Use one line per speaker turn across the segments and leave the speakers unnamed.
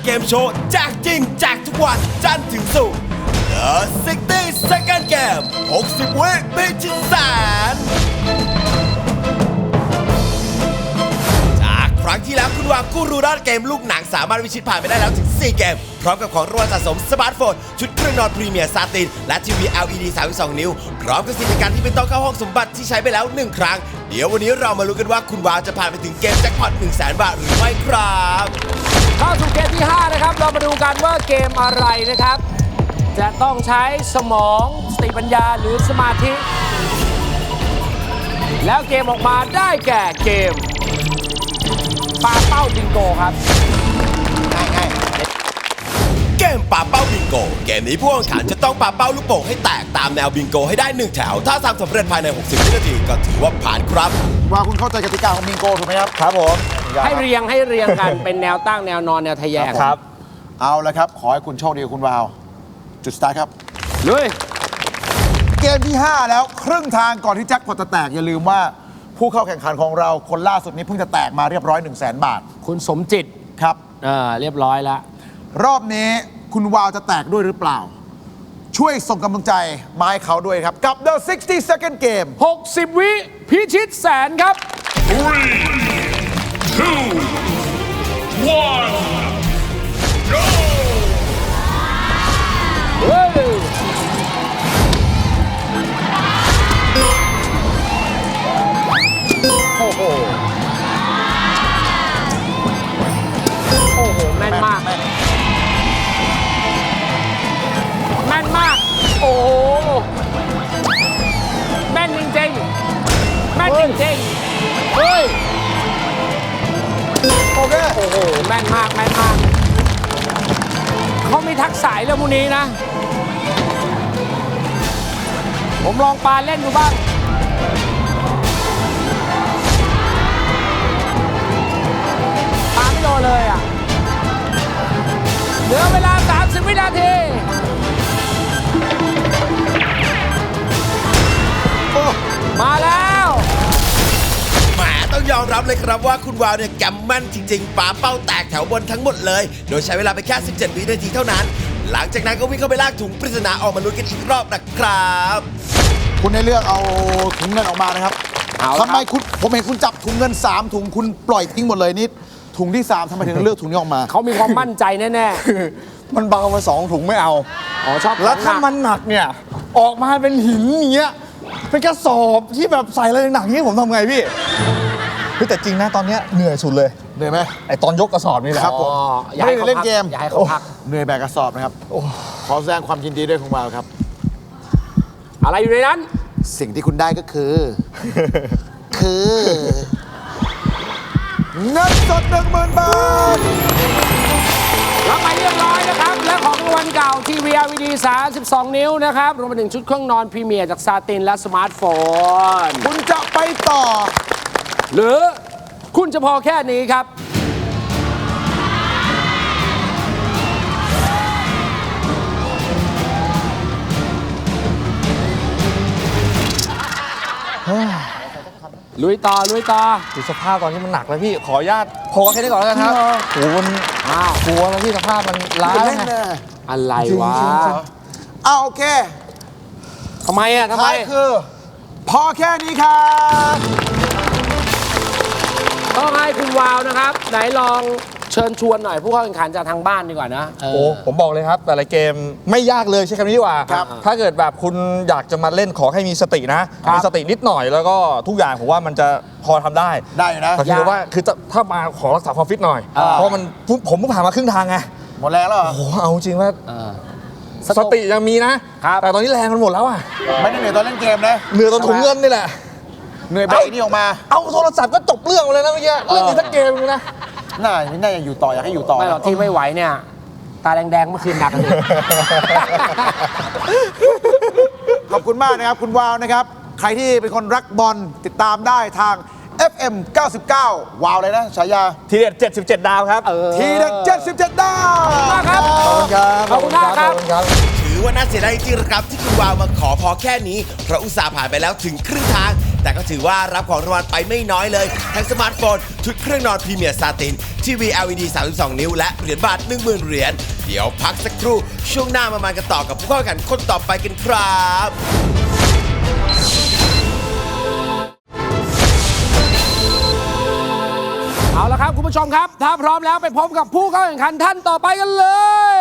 เกมโชว์แจกจริงแจกทุกวันจันทร์ถึงศุกร์ The 60 Second Game 60 วิพิชิตแสนจากครั้งที่แล้วคุณวางกูรูด้านเกมลูกหนังสามารถวิชิตผ่านไปได้แล้วถึง 4 เกม พร้อมกับของรางวัลสะสมสมาร์ทโฟน ชุดเครื่องนอนพรีเมียร์ซาติน และทีวี LED 32 นิ้ว พร้อมกับสิทธิการที่ไม่ต้องเข้าห้องสมบัติที่ใช้ไปแล้ว 1 ครั้ง เดี๋ยววันนี้เรามาลุ้นกันว่าคุณวาวจะผ่านไปถึงเกมแจ็คพอต 100,000 บาทหรือไม่ครับ
เข้าสู่เกมที่ 5 นะครับ เรามาดูกันว่าเกมอะไรนะครับ จะต้องใช้สมองสติปัญญาหรือสมาธิ แล้วเกมออกมาได้แก่เกมปาเป้าบิงโกครับ
เกมปาเป้าบิงโก เกมนี้ผู้แข่งขันจะต้องปาเป้าลูกโป่งให้แตกตามแนวบิงโกให้ได้ 1 แถว ถ้าทำสำเร็จภายใน 60 วินาทีก็ถือว่าผ่านครับ
ว่าคุณเข้าใจกติกาของบิงโกถูกไหมครับครับผม
ให้เรียงกัน เป็นแนวตั้งแนวนอนแนวทะแยง
ครับเอาละครับขอให้คุณโชคดีคุณวาวจุดสตาร์ทครับ
เลย
เกมที่ 5 แล้วครึ่งทางก่อนที่แจ็คพอตจะแตกอย่าลืมว่าผู้เข้าแข่งขันของเราคนล่าสุดนี้เพิ่งจะแตกมาเรียบร้อย 100,000 บาท
คุณสมจิต
ครับ
เรียบร้อยแล้ว
รอบนี้คุณวาวจะแตกด้วยหรือเปล่า ช่วยส่งกำลังใจมาให้เขาด้วยครับ กับ The 60 Second Game
60 วิพิชิตแสนครับ เฮ้ย โอ้โห โอ้โห แม่นมาก แม่นมาก โอ้โห แม่นจริงๆ แม่นจริงๆ เฮ้ย
โอเค
โอ้โห แม่นมาก แม่นมาก เขามีทักษะเรื่องพวกนี้นะ ผมลองปาเล่นดูบ้าง ปาไม่โดนเลยอ่ะ เหลือเวลา 30 วินาที มาแล้ว
แหมต้องยอมรับเลยครับว่าคุณวาวเนี่ยแกมแม่นจริงๆปาเป้าแตกแถวบนทั้งหมดเลย โดยใช้เวลาไปแค่ 17 วินาทีเท่านั้น หลังจากนั้นก็วิ่งเข้าไปลากถุงปริศนาออกมาลุ้นกันอีกรอบนะครับ
คุณได้เลือกเอาถุงเงินออกมานะครับ
เอาละ
ทำไมคุณผมเห็นคุณจับถุงเงิน 3 ถุงคุณปล่อยทิ้งหมดเลยนี่ถุงที่ 3ทำไมถึงเลือกถุงนี้ออกมา
เขามีความมั่นใจแน่
มันเบามา2 ถุงไม่เอา
ๆ อ๋อ ชอบ
แล้วถ้า
ของห
มันหนักเนี่ย ออกมาเป็นหินอย่างเงี้ยเป็นกระสอบที่แบบใส่อะไรหนักๆนี้ผมทำไงพี่แต่จริงนะตอนเนี้ยเหนื่อยสุดเลย
เหนื่อยไหม
ไอตอนยกกระสอบนี่แหละ
ครับผม
อ๋ออย่า
ไม่
ให้
ได้
เขา
เล่นเกม
อย่าให้เขาพัก
เหนื่อยแบกกระสอบนะครับขอแสดงความยินดีด้วยคุณวาวครับ
อะไรอยู่ในนั้น
สิ่งที่คุณได้ก็คือ เงินสด 10,000 บาท
รับไปเรียบร้อยนะครับ และของรางวัลเก่าทีวี LED 32 นิ้วนะครับ รวมไปถึงชุดเครื่องนอนพรีเมียร์จากซาตินและสมาร์ทโฟน
คุณจะไปต่อ
หรือคุณจะพอแค่นี้ครับ ลุยต่อ ลุยต่อ
ดูสภาพตอนนี้มันหนักแล้วพี่ ขออนุญาตพอแค่นี้ก่อนแล้วกันครับโอ้โหมัน
อ้าว
กลัวแล้วพี่สภาพมันล้า
คุณ
แล้ว
เล่น
ไง
เลย
อะไรวะ
เอาโอเค
ทำไมอ่ะทำไม
ท้ายคือ พอแค่นี้ครับ
ต้องให้คุณวาวนะครับ ไหนลองเชิญชวนหน่อยผู้เข้าแข่งขันจากทางบ้านดีกว่านะ
โอ้ผมบอกเลยครับแต่ละเกมไม่ยากเลยใช้คำนี้ดีกว่า
ครับ
ถ้าเกิดแบบคุณอยากจะมาเล่นขอให้มีสตินะ มีสตินิดหน่อยแล้วก็ทุกอย่างผมว่ามันจะพอทำได้
ได้อยู่นะ
แต่คือว่าคือถ้ามาขอรักษาความฟิตหน่อย เพราะมันผมเพิ่งผ่านมาครึ่งทางไง
หมดแรงแล้วเหรอ
โอ้โหเอาจริงว่า
เออ
สติยังมีนะ แต่ตอนนี้แรงมันหมดแล้วอ่ะ
ไม่ได้เหนื่อยตอนเล่นเกมนะ
เหนื่อยตอนถุงเงินนี่แหละ
เหนื่อยแบกนี่ออกมา
เอาโทรศัพท์ก็จบเรื่องเลยนะเมื่อกี้เล่นอีกสักเกมนึงนะ
น่าอยากอยู่ต่ออยากให้อยู่ต่อ
ไม่หรอกที่ไม่ไหวเนี่ย ตาแดงๆเมื่อคืนหนักเลย
ขอบคุณมากนะครับ คุณวาวนะครับ ใครที่เป็นคนรักบอลติดตามได้ทาง FM 99 วาวเลยนะฉายา
ทีเด็ด77 ดาวครับ
ทีเด็ด77 ดาว
มากครับ
ขอบคุณครับ
ขอบคุณมากครับ
ถือว่าน่าเสียดายจริงๆครับที่คุณวาวมาขอพอแค่นี้เพราะอุตส่าห์ผ่านไปแล้วถึงครึ่งทางแต่ก็ถือว่ารับของรางวัลไปไม่น้อยเลยทั้งสมาร์ทโฟนชุดเครื่องนอนพรีเมียร์ซาตินทีวี LED 32 นิ้วและเหรียญบาท 10,000 เหรียญเดี๋ยวพักสักครู่ช่วงหน้ามากันต่อกับผู้เข้าแข่งขันคนต่อไปกันครับ
เอาละครับคุณผู้ชมครับ ถ้าพร้อมแล้วไปพบกับผู้เข้าแข่งขันท่านต่อไปกันเลย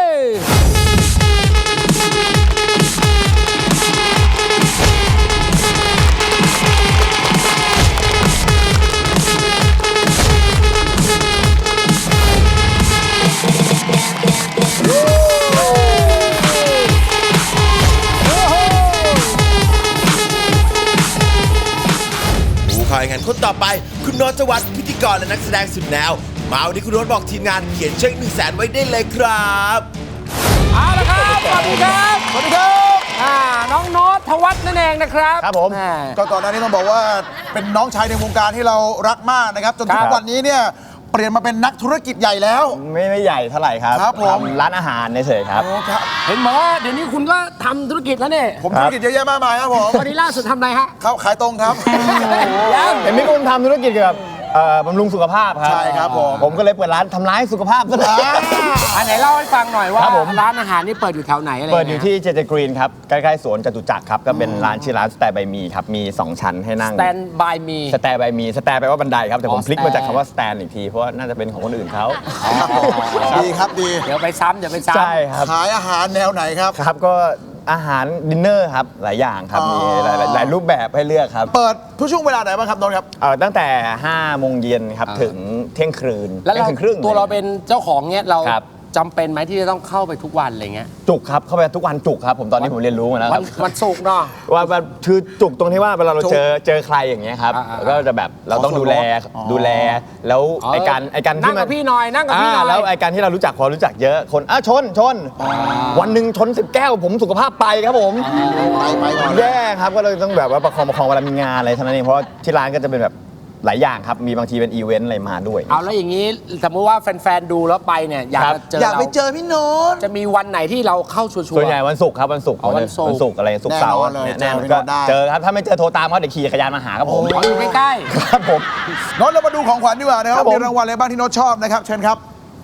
ผู้เข้าแข่งขันคนต่อไปคุณโน้ตจวัฒน์พิธีกรและนักแสดงสุดแนวมาวันนี้คุณโน้ตบอกทีมงานเขียนเช็ค100,000ไว้ได้เลยครับ
เอาละครับ สวัสดีครับ
สวัสดีครับ
น้องโน้ตธวัฒน์นั่นเองนะครับ
ครับผม
อ่า
ก็ก่อนหน้านี้ต้องบอกว่าเป็นน้องชายในวงการที่เรารักมากนะครับจนถึงวันนี้เนี่ยเปลี่ยนมาเป็นนักธุรกิจใหญ่แล้ว
ไม่ใหญ่เท่าไหร่ครับ
ครับผม
ทำร้านอาหารเฉยๆครับ
โอ้ครับ
เห็นบอกว่าเดี๋ยวนี้คุณก็ทำธุรกิจแล้วเนี่ย
ผมธุรกิจเยอะแยะมากมายครับผม
วันนี้ล่าสุดทำอะไรฮะ
เขาขายตรงครับ
ยัง
เห็นพี่กุ้งทำธุรกิจเกี่ยวกับบำรุงสุขภาพครับ
ใช่ครับผม
ผมก็เลยเปิดร้านทำร้ายสุขภาพซะเลย
อันไหนเล่าให้ฟังหน่อยว่า
ครับผม
ร้านอาหารนี่เปิดอยู่แถวไหนอะไร
เปิดอยู่ที่เจเจกรีนครับ ใกล้ๆสวนจตุจักรครับ ก็เป็นร้านชื่อร้านสแตร์บายมีครับ มี 2 ชั้นให้นั่ง
สแตนบายมี
สแตร์บายมีสแตร์แปลว่าบันไดครับ แต่ผม
อ๋อ
พลิกมาจาก
stand
คำว่าสแตนอีกที เพราะว่าน่าจะเป็นของคนอื่นเขา
ดีครับดี
เดี๋ยวไปซ้ำเดี๋ยวไปซ้ำ
ใช่ครับ
ขายอาหารแนวไหนครับ
ครับก็อาหารดินเนอร์ครับ หลายอย่างครับ มีหลายรูปแบบให้เลือกครับ
เปิดทุกช่วงเวลาไหนบ้างครับน้องครับ
ตั้งแต่ 5 โมงเย็นครับถึงเที่ยงคืน
แล้ว
เที่ย
เรา
งคืนครึ่ง
ตัวเราเป็นเจ้าของเนี่ยเรา
ครับ
จำเป็นไหมที่จะต้องเข้าไปทุกวันอะไรเงี้ย
จุกครับ เข้าไปทุกวันจุกครับ ผมตอนนี้ผมเรียนรู้มาแล้วค
วั
รั
น
บ
วันศุกร์เนาะ
ว่าคือจุกตรงที่ว่าเวลาเรา
จุก
เจอใครอย่างเงี้ยครับ
อ่า
ก็จะแบบเราต้อง
ขอส่วน
ดูแลแล้ว
อ๋อ
ไอการ
นั่
ที่
งกับพี่หน่อยนั่งกับพี่หน่อย
แล้วไอการที่เรารู้จักพอรู้จักเยอะคนชนวันหนึ่งชน10 แก้วผมสุขภาพไปครับผม
ไปก่อน
แย่ครับก็เลยต้องแบบว่าประคองเวลามีงานอะไรเท่านั้นเองเพราะว่าที่ร้านก็จะเป็นแบบหลายอย่างครับมีบางทีเป็นอีเวนต์อะไรมาด้วย
เอาแล้วอย่างนี้สมมติว่าแฟนๆดูแล้วไปเนี่ยอยาก
ครับ
จะเจอ
อยากไป
เรา
เจอพี่โน้ต
จะมีวันไหนที่เราเข้าชัวร์
ส่วนใหญ่วันศุกร์ครับวันศุกร์
อ๋อวันศุกร์
วันศุกร์อะไรศุกร์เสาร์
แน่นอนเลย
แน่นอน
เจอพี่
ก็
โน้ตได้
เจอครับถ้าไม่เจอโทรตามเขาเดี๋ยวขี่จักรยานมาหาครับผม
ๆอยู่ใกล้
ครับผม
โน้ตเรามาดูของขวัญดีกว่านะค
ค
รั
รั
บบ
ผม
มีรางวัลอะไรบ้างที่โน้ตชอบนะครับเชิญครับ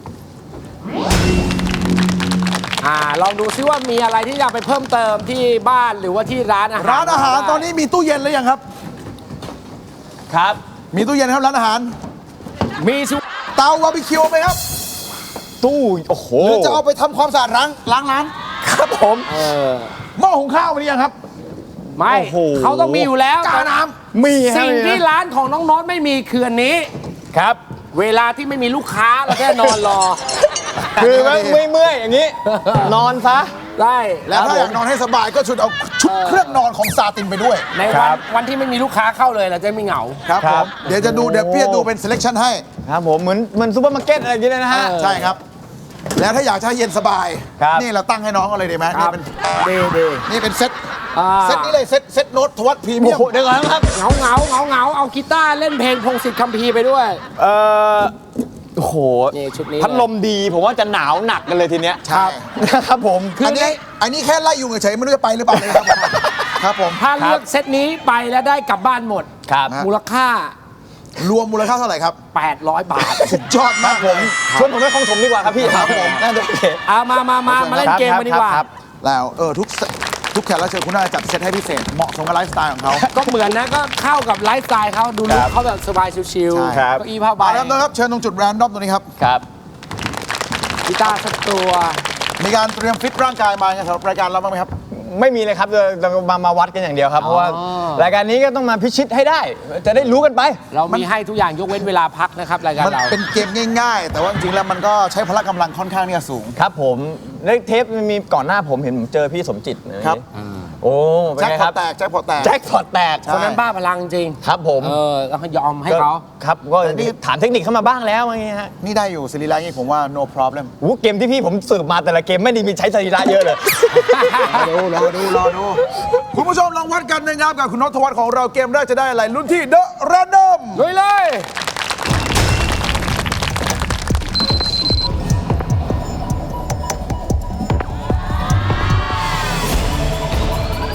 ลองดูซิว่ามีอะไรที่อยากไปเพิ่มเติมที่บ้านหรือว่าที่ร้านอาหาร
ร้านอาหารตอนนี้มีตู้เย็นหรือยังครับ
ครับ
มีตู้เย็นครับร้านอาหาร
มีสิ
เตาบาร์บีคิวไหมครับ
ตู้โอ้โห
หรือจะเอาไปทำความสะอาดล้างร้าน
ครับผม
หม้อหุงข้าวมีหรือยังครับ
ไม่
โอ้โห
เขาต้องมีอยู่แล้ว
กาน้
มีฮะ
สิ่งที่ร้านของน้องโน้ตไม่มีคืออันนี้
ครับ
เวลาที่ไม่มีลูกค้าเราแค่นอนรอ
คือไม่เมื่อยอย่างนี้ นอนซะ
ได้
แล้วถ้าอยากนอนให้สบายก็ชุดเอาชุดเครื่องนอนของซาตินไปด้วย
ใน
ค
วั
รั
น
บ
วันที่ไม่มีลูกค้าเข้าเลยเราจะไม่เหงา
ครับ
ค
ผ
รับ
มเดี๋ยวพี่จะดูเป็น selection ให้
ครับผมเหมือนซูเปอร์มาร์เก็ตอะไรอย่างเงี้ยนะฮะ
ใช่ครับ แล้วถ้าอยากจะให้เย็นสบาย
ครับ
นี่เราตั้งให้น้องกันเลยดีไหม
ครับ
นี่เป็นเซ็ต
อ่า
เซ็ตนี้เลยเซ็ตโน้ตทวัตพรีเมี
โอ้
ยม
โหเดี๋ยวก่อนครับ
เหงาเอากีตาร์เล่นเพลงพงศิษฐ์คัมภีร์ไปด้วย
เอ่อโอ้โห
นี่ชุดนี้
พัดลมดีผมว่าจะหนาวหนักกันเลยทีเนี้ย
ใช่
ครับผม
อันนี้แค่ไล่ยุงเฉยๆไม่รู้จะไปหรือเปล่าเลยครับผมครับผม
ถ้าเลือกเซตนี้ไปแล้วได้กลับบ้านหมด
ครับ
มูลค่าร
วมมูลค่าเท่าไหร่ครับ
800 บาท
สุดยอดมากผม
ชวนผมไปคลองถมดีกว่าครับพี่
ครับผม
น่าจะโอเค
เอามาเล่นเกมกันดีกว่า
ครับ
แล้วทุกแขกรับเชิญคุณน่าจะจัดเซตให้พิเศษเหมาะสมกับไลฟ์สไตล์ของเขา
ก็เหมือนนะก็เข้ากับไลฟ์สไตล์เขาดูลุคเขาแบบสบายชิล
ใช่
ๆเก้าอี้ผ้าใบ
มาแล้วนะครับเชิญตรงจุดแรนดอมตรงนี้ครับ
ครับ
กีตาร์สักตัว
มีการเตรียมฟิตร่างกายมาสำหรับรายการเราบ้างไหมครับ
ไม่มีเลยครับจะมาวัดกันอย่างเดียวครับ เพราะว่ารายการนี้ก็ต้องมาพิชิตให้ได้ จะได้รู้กันไป
เรามีให้ทุกอย่างยกเว้นเวลาพักนะครับรายการ
มัน
เรา
เป็นเกมง่ายๆ แต่ว่าจริงๆแล้วมันก็ใช้พละกำลังค่อนข้างที่จะสูง
ครับผมในเทปมันมีก่อนหน้าผมเห็นผมเจอพี่สมจิตนะครับ โอ้เป็น
แจ็ค
ไง
พ
ค
อ
รั
ต
บ
แตกแจ็คพอตแตก
แจ็คพอตแตก
ใช่
คนนั้นบ้าพลังจริง
ครับผม
แล้วก็ยอมให้เขา
ครับก็
แต่นี่
ถามเทคนิคเข้ามาบ้างแล้วอย่างเงี้ยฮะ
นี่ได้อยู่สิริรานี่ผมว่า no problem
เกมที่พี่ผมสืบมาแต่ละเกมไม่ได้มีใช้สรีระเยอะเลย
รอดูคุณผู้ชมลองวัดกันนะครับกับคุณนทวัฒน์ของเราเกมแรกจะได้อะไรลุ้นที่ The Random
ลุยเลย ร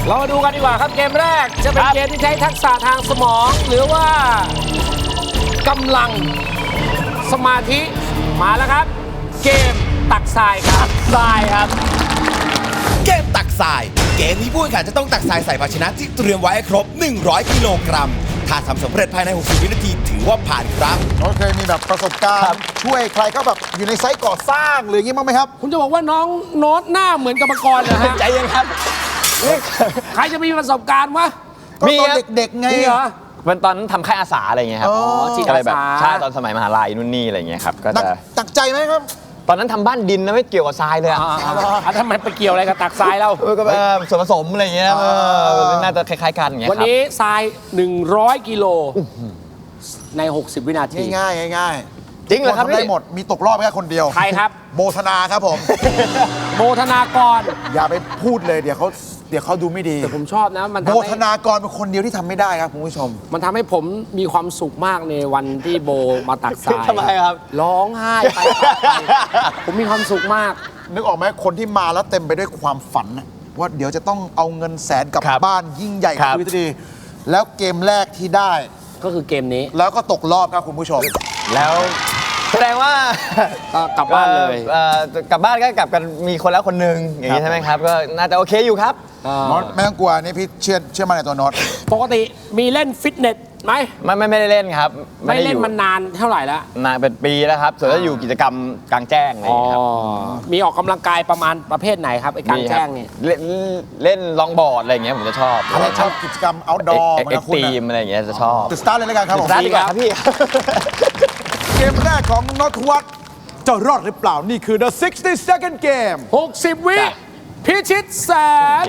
เรามาดูกันดีกว่าครับเกมแรกจะเป็นเกมที่ใช้ทักษะทางสมอง หรือว่ากำลังสมาธิมาแล้วครับ เกมตักทรายครับทรายครับ
เกมตักทราย เกมนี้ผู้แข่งขันจะต้องตักทรายใส่ภาชนะที่เตรียมไว้ให้ครบ 100 กิโลกรัม ถ้าทำสำเร็จภายใน 60 วินาทีถือว่าผ่านครับ
น้องเคยมีแบบประสบการณ์ช่วยใครเขาแบบอยู่ในไซต์ก่อสร้างหรืออย่างงี้บ้างไหมครับ
คุณจะบอกว่าน้องโน้ตหน้าเหมือนกรรมกรนะฮะ
ใจเย็นครับ
ใครจะมีประสบการณ์วะ
ก็
มี
ตอน
ครับ
เด็กๆไง
นี่เหรอ
เป็นตอนนั้นทำค่ายอาสาอะไรเงี้ยครับ
อ๋อ
จิต
ก็เลยแบบ
อาสา
ใช่ตอนสมัยมหาลัยนู่นนี่อะไรเงี้ยครับ ก็
หนัก
จะ
ตักใจไหมครับ
ตอนนั้นทำบ้านดินนะไม่เกี่ยวกับทรายเลยอะ
ทำไมไปเกี่ยวอะไรกับตักทรายเรา
ก็ส่วนผสมอะไรเงี้ยน่าจะคล้ายๆกันอย่างเงี้ย
วัน
ครับ
นี้ทราย 100 กิโลใน 60 วินาที
ง่ายๆง่ายๆ
จริงเหรอครับ
ทุกนทำได้
พี่
หมดมีตกรอบแค่คนเดียว
ใครครับ
โบธนาครับผม
โบธนากร
อย่าไปพูดเลยเดี๋ยวเขาดูไม่ดี
แต่ผมชอบนะมัน
โบ
ทำ
ธ
ให้
นากรเป็นคนเดียวที่ทำไม่ได้ครับคุณผู้ชม
มันทำให้ผมมีความสุขมากในวันที่โบมาตักทราย
ทำไมครับ
ร้องไห้ไปผมมีความสุขมาก
นึกออกไหมคนที่มาแล้วเต็มไปด้วยความฝันนะว่าเดี๋ยวจะต้องเอาเงินแสนกลับ
ครับ
บ้านยิ่งใหญ่
ครับ
ชีวิตดีแล้วเกมแรกที่ได้
ก็คือเกมนี้
แล้วก็ตกรอบครับคุณผู้ชม
แล้วแสดงว่า
ก็กลับบ้านเลย
กลับบ้านก็กลับกันมีคนแล้วคนหนึ่งอย่างนี้ใช่ไหมครับ ก็น่าจะโอเคอยู่ครับ
โน้ตไม่ต้องกลัวนี่พี่เชื่อมั่นในตัวโน้ต
ปกติมีเล่นฟิตเนสไหม
ไม่ได้เล่นครับ
ไม่
ด้
เล่น
อยู่
มันนานเท่าไหร่แล้ว
นานเป็นปีแล้วครับ ส่วนถ้าอยู่กิจกรรมกลางแจ้งอะไรอย่างเงี้ยครับ
มีออกกำลังกายประมาณประเภทไหนครับไอ้กลางแจ้งเนี่ย
เล่นลองบอร์ดอะไรอย่างเงี้ยผมจะชอบ
อะไรชอบกิจกรรม outdoor เหมือน
เอ็
กั
ก
บคุณ
ตีม
นะ
อะไรอย่างเงี้ยจะชอบ
จะสตาร์ทเลยแล้วกันครับผม
ร้านดีกว่าครับพี่
เกมแรกของโน้ตวัฒน์จะรอดหรือเปล่า นี่คือ the 60-second game
60 วิ
จ้ะ
พิชิตแสน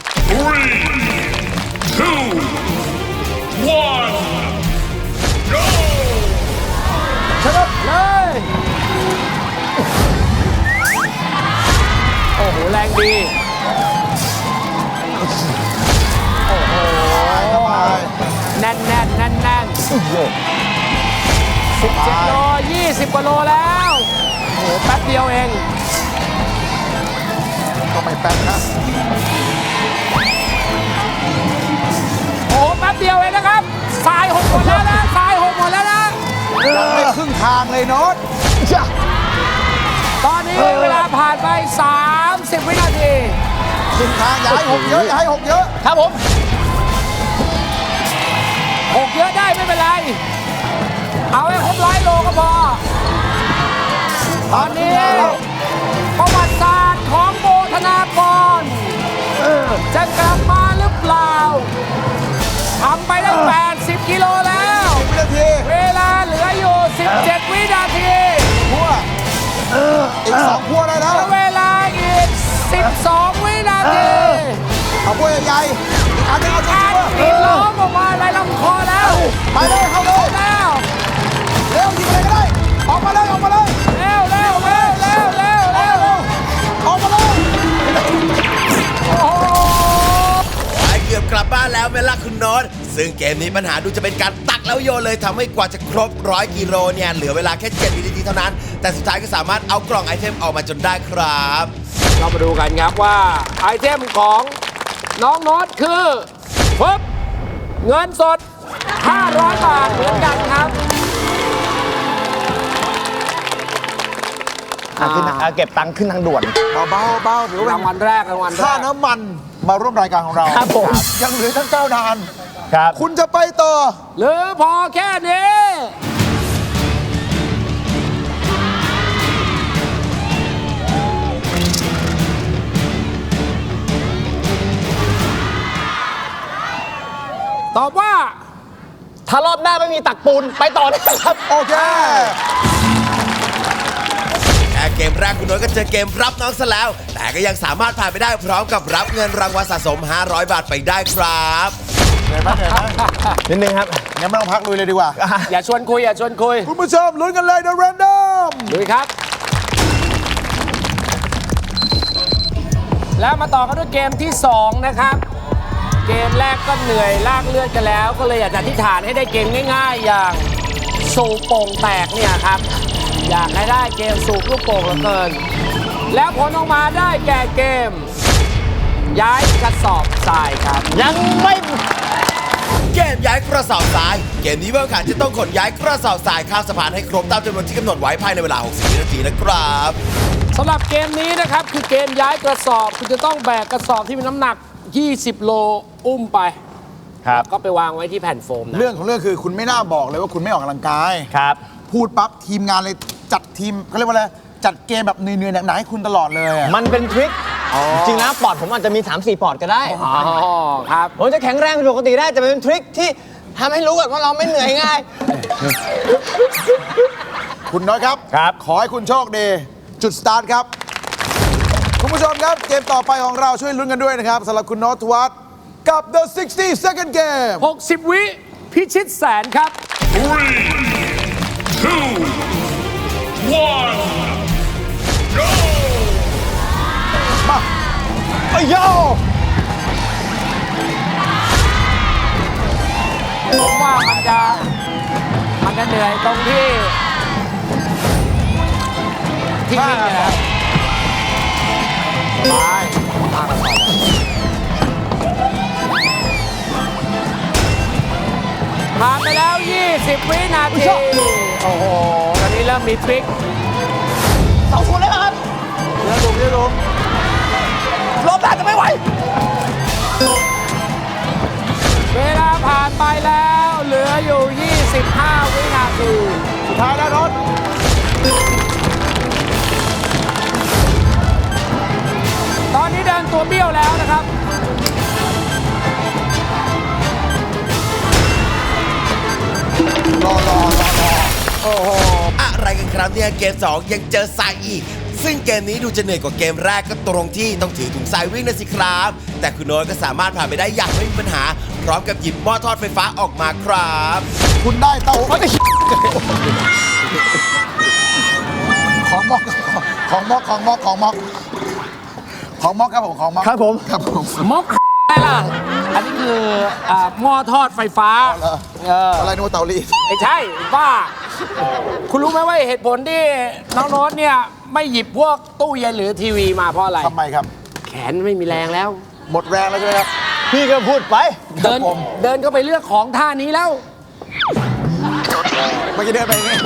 ชนะ
เลย โอ้โห แรงดี แน่นแน่นแน่นแน่น17 โล 20 กว่าโลแล้ว โอ้โห แป๊บเดียวเอง
ก็ไม่แป๊บนะ
โอ้โห แป๊บเดียวเองนะครับทรายหกหมดแล้วนะทรายหกหมดแล้วนะ
ยังไม่ครึ่งทางเลยโน้ต
ตอนนี้เวลาผ่านไป 30 วินาที
ครึ่งทางอย่าให้หกเยอะอย่าให้หกเยอะ
ครับผม
หกเยอะได้ไม่เป็นไร เอาให้ครบ100 โลก็พอ ตอนนี้ประวัติศาสตร์ของโบธนากรจะกลับมาหรือเปล่าทำไปได้ 80 กิโลแล้ว
วินาที
เวลาเหลืออยู่ 17 วินาที
พัวอีก2พัวได้แล้ว
เวลาอีก 12 วินาที
เอาพัวใหญ่ๆอีกอันหนึงเอาตัว
การกรีดร้องออกมาในลำคอแล้ว
ไปเลยเข้าเลย
แล้ว
เร็วยิงอะไรก็ได้ออกมาเลยออกมาเลย
เร็วเร็วเร็วเร็วเร็วเร็ว
ออกมาเลย
โอ้โห
ไปเกือบกลับบ้านแล้วไหมล่ะคุณโน้ตซึ่งเกมนี้ปัญหาดูจะเป็นการตักแล้วโยนเลยทำให้กว่าจะครบ 100 กิโลเนี่ยเหลือเวลาแค่ 7 วินาทีเท่านั้น แต่สุดท้ายก็สามารถเอากล่องไอเทมออกมาจนได้ครับ
เรามาดูกันครับว่าไอเทมของน้องโน้ตคือปึ๊บเงินสด 500 บาทเหมือนกันครับ
เก็บตังค์ขึ้นทางด่วน
เบาๆเบาๆหรือว่าร
างวัลแรกรางวัลแร
ค่าก น้ำมันมาร่วมรายการของเรา
ครับผม
ยังเหลือทั้ง9 ดาน
ครับ
คุณจะไปต่อ
หรือพอแค่นี้ ตอบว่า
ถ้ารอบหน้าไม่มีตักปูนไปต่อได้ครับ
โอเค
แค่เกมแรกคุณโน้ตก็เจอเกมรับน้องซะแล้ว แต่ก็ยังสามารถผ่านไปได้พร้อมกับรับเงินรางวัลสะสม 500 บาทไปได้ครับ
เหนื่อยไหมเหนื่อยไหม
นิดนึงครับ
งั้นไม่ต้องพักลุยเลยดีกว่า
อย่าชวนคุย อย่าชวนคุย
คุณผู้ชมลุ้นกันเลย The Random
ลุยครับ แล้วมาต่อกันด้วยเกมที่ 2 นะครับ เกมแรกก็เหนื่อยลากเลือดกันแล้ว ก็เลยอยากจะอธิษฐานให้ได้เกมง่ายๆ อย่างสูบโป่งแตกเนี่ยครับ อยากให้ได้เกมสูบลูกโป่งเหลือเกิน แล้วผลออกมาได้แก่เกมย้ายกระสอบทรายครับ
ยังไม่
เกมย้ายกระสอบทราย เกมนี้ผู้แข่งขันจะต้องขนย้ายกระสอบทรายข้ามสะพานให้ครบตามจำนวนที่กำหนดไว้ภายในเวลา 60 วินาทีนะครับ
สำหรับเกมนี้นะครับคือเกมย้ายกระสอบคุณจะต้องแบกกระสอบที่มีน้ำหนัก 20 โลอุ้มไป
ครับ
ก็ไปวางไว้ที่แผ่นโฟมนะ
เรื่องของเรื่องคือคุณไม่น่าบอกเลยว่าคุณไม่ออกกำลังกาย
ครับ
พูดปั๊บทีมงานเลยจัดทีมเขาเรียกว่าอะไรจัดเกมแบบเหนื่อยๆหนักๆให้คุณตลอดเลยอะ
มันเป็นทริค จริงๆนะปอดผมอาจจะมี 3-4 ปอดก็ได้
อ๋อครับ
ผมจะแข็งแรงเป็นปกติได้แต่มันเป็นทริคที่ทำให้รู้ก่อนว่าเราไม่เหนื่อยง่าย
คุณน้อยครับ
ครับ
ขอให้คุณโชคดี จุดสตาร์ทครับ คุณผู้ชมครับ เกมต่อไปของเราช่วยลุ้นกันด้วยนะครับสำหรับคุณโนตวัฒน์กับ The 60 Second Game
60 วิพิชิตแสนครับ
โอ้ยโย
ผมว่ามันจะเหนื่อยตรงที่วิ่งเนี่ยนะครับไปมากระสอบผ่านไปแล้ว 20 วินาที โอ้โห ตอนนี้เริ่มมีทริค
2 แล้วครับ
เดี๋ยวดู
รอบแรกจะไม่ไหว
เวลาผ่านไปแล้ว เหลืออยู่ 25 วินาที
สุดท้ายแล้วโนต
ตอนนี้เดินตัวเบี้ยวแล้วนะครับ
อะไรกันครับเนี่ยเกม 2 ยังเจอทรายอีก ซึ่งเกมนี้ดูจะเหนื่อยกว่าเกมแรกก็ตรงที่ต้องถือถุงทรายวิ่งนะสิครับ แต่คุณโน้ตก็สามารถผ่านไปได้อย่างไม่มีปัญหา พร้อมกับหยิบหม้อทอดไฟฟ้าออกมาครับ
คุณได้เต้าของม็อกของม็อกของม็อกของม็อกของม็อกครับผมของม็อก
ครับผม
ครับผม
มกอะไรล่ะ อันนี้คือหม้อทอดไฟฟ้า
อะไรโนตเตารีด
ไม่ใช่บ้า คุณรู้ไหมว่าเหตุผลที่น้องโน้ตเนี่ย ไม่หยิบพวกตู้เย็นหรือทีวีมาเพราะอะไร
ทำไมครับ
แขนไม่มีแรงแล้ว
หมดแรงแล้วใช่ไหมครับ
พี่ก็พูดไป
เดิน
ผม
เดินเข้าไปเลือกของท่านี้แล้ว
เมื่อกี้เดินไปอย่างงี้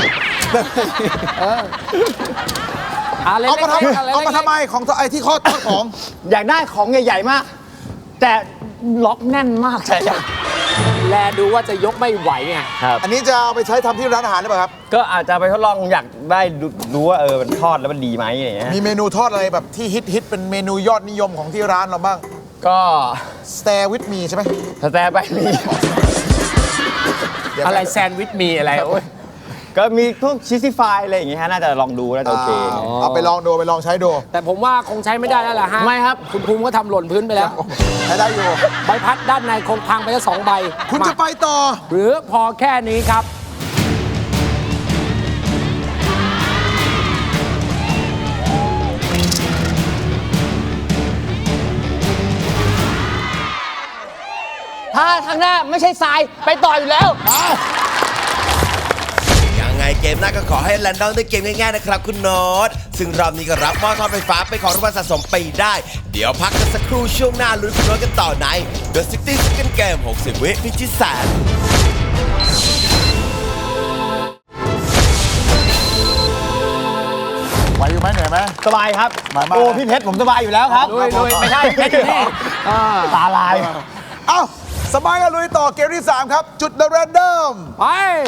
อะไร
เอามาทำ
เล็กๆอะไร
เอามาทำไมของไอ้ที่ข้อของ
อยากได้ของใหญ่ๆมาก แต่ล็อกแน่นมากใช่ไหม
แลดูว่าจะยกไม่ไหวไง
ครับ
อันนี้จะเอาไปใช้ทำที่ร้านอาหารหรือเปล่าครับ
ก็อาจจะไปทดลองอยากได้รู้ว่ามันทอดแล้วมันดีไหมอะไรอย่างเงี้ย
มีเมนูทอดอะไรแบบที่ฮิตเป็นเมนูยอดนิยมของที่ร้านเราบ้าง
ก็
Stay with me ใช่ไหม
สแตร์ไปมี
เดี๋ยว
อะไรแซนด์วิชมีอะไรโอ้ย
ก็มีพวกชิสซี่ฟายอะไรอย่างเงี้ยฮะน่าจะลองดูน่าจะโอเค
เอาไปลองดูไปลองใช้ดู
แต่ผมว่าคงใช้ไม่ได้แล้วล่ะฮะ
ไม่ครับ
คุณภูมิก็ทำหล่นพื้นไปแล้ว
ใช้ได้อยู่
ใบพัดด้านในคงพังไปแล้ว2 ใบ
คุณจะ
มา
ไปต่อ
หรือพอแค่นี้ครับ
ถ้าทางหน้าไม่ใช่ทรายไปต่ออยู่แล้ว
ยังไงเกมหน้าก็ขอให้แลนดอนได้เกมง่ายๆนะครับคุณโน้ต ซึ่งรอบนี้ก็รับหม้อทอดไฟฟ้าเป็นของรางวัลสะสมไปได้ เดี๋ยวพักกันสักครู่ช่วงหน้าลุ้นคุณโน้ตกันต่อใน The 60 Second Game 60 วิพิชิตแสน
ไหวอยู่ไหมเหนื่อยไหม
สบายครับ
สบายมาก
โอ้พี่เพชรผมสบายอยู่แล้วครับ
ลุยไม่ใช่เพชรอยู่นี่
ตาลาย
เอ้าสบายกันลุยต่อเกมที่ 3 ครับ จุด The Random
ไป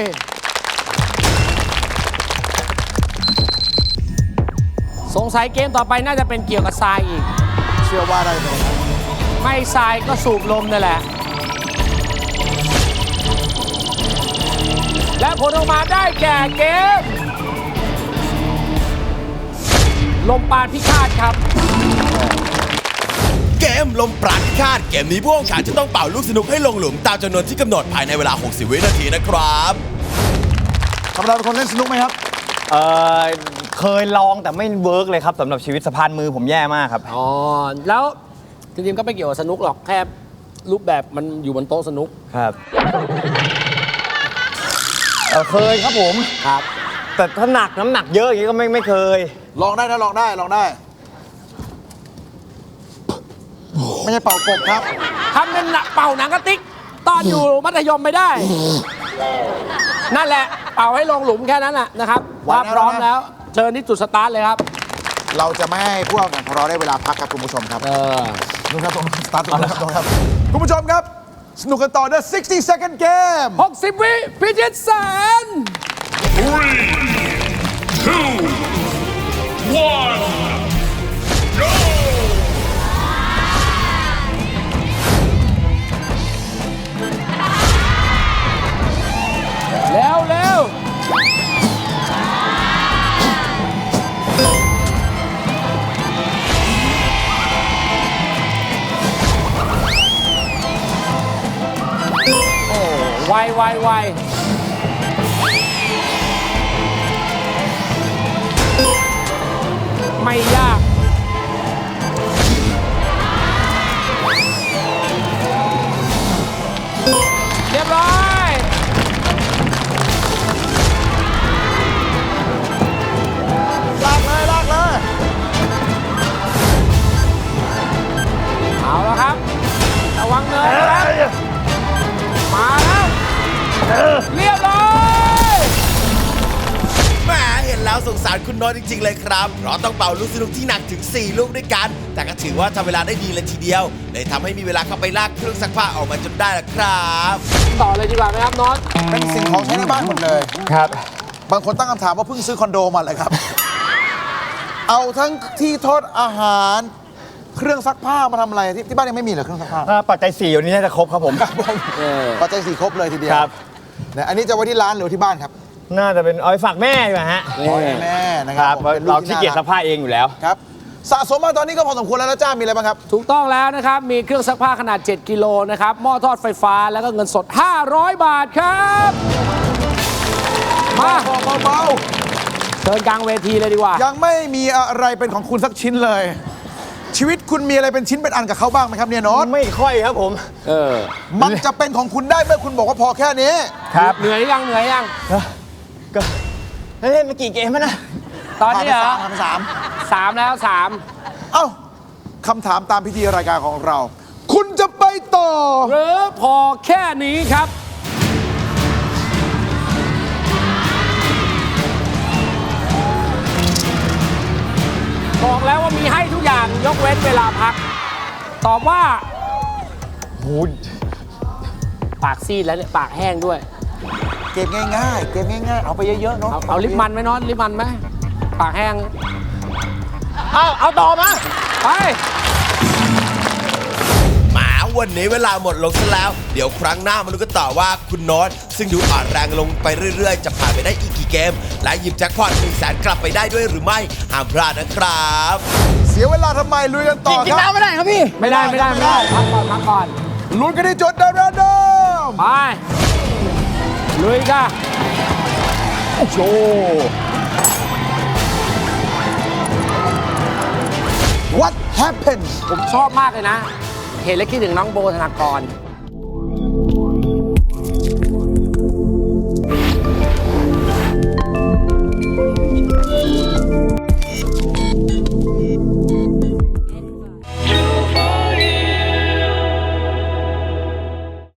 สงสัยเกมต่อไปน่าจะเป็นเกี่ยวกับทรายอีก
เชื่อว่าได้เลย
ไม่ทรายก็สูบลมนั่นแหละ และผลออกมาได้แก่เกม ลมปานพิฆาตครับ
เกมลมปราณพิฆาตเกมนี้ผู้แข่งขันจะต้องเป่าลูกสนุกให้ลงหลุมตามจำนวนที่กำหนดภายในเวลา 60 วินาทีนะครับ
ธรรมดาเป็นคนเล่นสนุกไหมครับ
เคยลองแต่ไม่เวิร์กเลยครับสำหรับชีวิตสะพานมือผมแย่มากครับ
อ๋อ แล้วจริงๆก็ไม่เกี่ยวกับสนุกหรอก แค่รูปแบบมันอยู่บนโต๊ะสนุก
ครับเคยครับผม
ครับ
แต่ถ้าหนักน้ำหนักเยอะอย่างนี้ก็ไม่เคย
ลองได้นะลองได้ลองได้
โ
ไม่ใช่เป่ากบครับ
ทำเป็นเป่าหนังกระติกตอนอยู่มัธยมไม่ได้ นั่นแหละ เป่าให้ลงหลุมแค่นั้นแหละนะครับถ้าพร้อมแล้ว เชิญที่จุดสตาร์ทเลยครับ
เราจะไม่ให้ผู้แข่งขันของเราได้เวลาพักครับคุณผู้ชมครับดูครับตรงสตาร์ทตรงนี้ครับคุณผู้ชมครับ สนุกกันต่อใน60 second game
60 วิพิชิตแสน
3, 2, 1, go!
เร็วเร็วโอ้ไวไวไวไม่ยาก เรียบร้อย
ลากเลยลากเลย
เอาแล้วครับ ระวังเนินนะครับ มาแล้ว เรียบร้อย
แหมเห็นแล้วสงสารคุณโน้ตจริง ๆ เลยครับ เพราะต้องเป่าลูกสนุกที่หนักถึง 4 ลูกด้วยกัน แต่ก็ถือว่าทำเวลาได้ดีเลยทีเดียว เลยทำให้มีเวลาเข้าไปลากเครื่องซักผ้าออกมาจนได้ละครับ
ต่อเลยดีกว่าไหมครับน็อต
เป็นสิ่งของใช้ในบ้านหมดเลย
ครับ
บางคนตั้งคำถามว่าเพิ่งซื้อคอนโดมาเลยครับ เอาทั้งที่ทอดอาหาร เครื่องซักผ้ามาทำอะไรที่บ้านยังไม่มีเหรอเครื่องซักผ้า
ถ้าปัจจัย4อยู่นี้น่าจะครบครับผม
ปัจจัยสี่ครบเลยทีเดียว
ครับ
เนี่ยอันนี้จะไว้ที่ร้านหรือที่บ้านครับ
น่าจะเป็นเอาไปฝากแม่ดีกว่าฮะ
ขอให้แม่นะค
ค
รั
รั
บบ ผมป็นลู
เรา
ที่
ขี้เกียจซักผ้าเองอยู่แล้ว
ครับสะสมมาตอนนี้ก็พอสมควรแล้วนะจ้ามีอะไรบ้างครับ
ถูกต้องแล้วนะครับ มีเครื่องซักผ้าขนาด 7 กิโลนะครับ หม้อทอดไฟฟ้าแล้วก็เงินสด 500 บาทครับ มา
เบา
เชิญกลางเวทีเลยดีกว่า
ๆยังไม่มีอะไรเป็นของคุณสักชิ้นเลย ชีวิตคุณมีอะไรเป็นชิ้นเป็นอันกับเขาบ้างไหมครับเนี่ยโน้ต
ไม่ค่อยครับผม
มันจะเป็นของคุณได้เมื่อคุณบอกว่าพอแค่นี้
ครับ
เหนื่อยยังเหนื่อยยัง
ก็เล่นมากี่เกมแล้วนะ
ตอนนี้เหรอ
ผ่านไปสาม
3 แล้ว
เอ้าคำถามตามพิธีรายการของเรา คุณจะไปต่อ
3 หรือพอแค่นี้ครับ บอกแล้วว่ามีให้ทุกอย่างยกเว้นเวลาพัก ตอบว่า
โห
ปากซีดแล้วเนี่ย ปากแห้งด้วย
เกมง่ายๆ เกมง่ายๆ เอาไปเยอะๆเนาะ
เอาลิปมันไหมน็อตลิปมันไหมปากแห้ง
เอาต่อมา
ไป
หมาวันนี้เวลาหมดลงซะแล้ว เดี๋ยวครั้งหน้ามาดูกันต่อว่าคุณโน้ตซึ่งดูอ่อนแรงลงไปเรื่อยๆ จะผ่านไปได้อีกกี่เกม และหยิบแจ็คพอต1 แสนกลับไปได้ด้วยหรือไม่ห้ามพลาดนะครับ
เสียเวลาทำไมลุยกันต่อ
กิน
ครับ
น้ำไม่ได้ครับพี่
ไม่ได้พักก่อนพักก่อน
ลุ้นกันที่จุดเดิม
ไปลุยค่ะ
โชว์ What happened
ผมชอบมากเลยนะ เห็นแล้วคิดถึงน้องโบธนากร